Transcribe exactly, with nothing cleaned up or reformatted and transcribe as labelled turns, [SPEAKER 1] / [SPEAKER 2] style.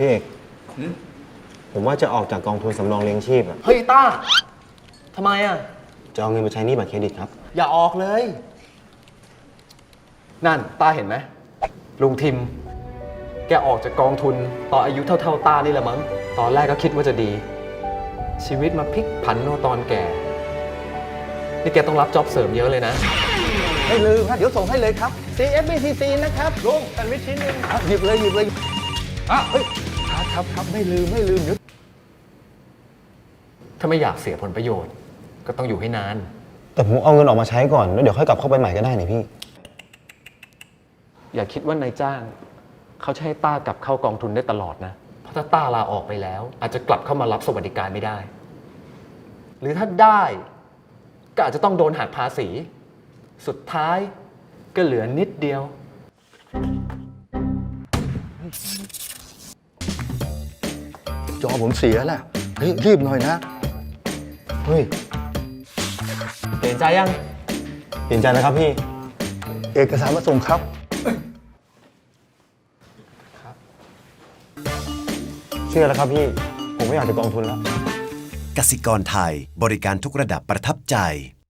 [SPEAKER 1] พี่เอกผมว่าจะออกจากกองทุนสำรองเลี้ยงชีพอะ
[SPEAKER 2] เฮ้ยต้าทำไมอ่ะ
[SPEAKER 1] จะเอาเงินไปใช้หนี้บัตรเครดิตครับ
[SPEAKER 2] อย่าออกเลย นั่นต้าเห็นไหมลุงทิม แกออกจากกองทุนตอนอายุเท่าๆต้านี่แหละมั้ง ตอนแรกก็คิดว่าจะดี ชีวิตมาพลิกผันโนตอนแก่ นี่แกต้องรับจ็อบเสริมเยอะเลยนะ
[SPEAKER 3] ไม่ลืมครับเดี๋ยวส่งให้เลยครับ ซี เอฟ บี ที ซี นะครับลุงแซนด์วิชชิ้นหนึงครับหยิบเลยหยิบเลยอ่ะเฮ้ยครับครับครับไม่ลืมไม่ลืมเดี๋ยว
[SPEAKER 2] ถ้าไม่อยากเสียผลประโยชน์ ก็ต้องอยู่ให้นาน
[SPEAKER 1] แต่ผมเอาเงินออกมาใช้ก่อนแล้วเดี๋ยวค่อยกลับเข้าไปใหม่ก็ได้นี่พี่
[SPEAKER 2] อย่าคิดว่านายจ้าง เขาจะให้ต้ากลับเข้ากองทุนได้ตลอดนะ เพราะถ้าต้าลาออกไปแล้ว อาจจะกลับเข้ามารับสวัสดิการไม่ได้ หรือถ้าได้ก็อาจจะต้องโดนหักภาษี สุดท้ายก็เหลือนิดเดียว
[SPEAKER 3] จอผมเสียแล้วเฮ้ยรีบหน่อยนะ
[SPEAKER 1] เฮ้ย
[SPEAKER 2] เปลี่ยนใจยัง
[SPEAKER 1] เปลี่ยนใจแล้วครับพี่
[SPEAKER 3] เอกสารมาส่งครับ
[SPEAKER 1] เชื่อแล้วครับพี่ ผมไม่อยากจะกองทุนแล้ว
[SPEAKER 4] กสิกรไทยบริการทุกระดับประทับใจ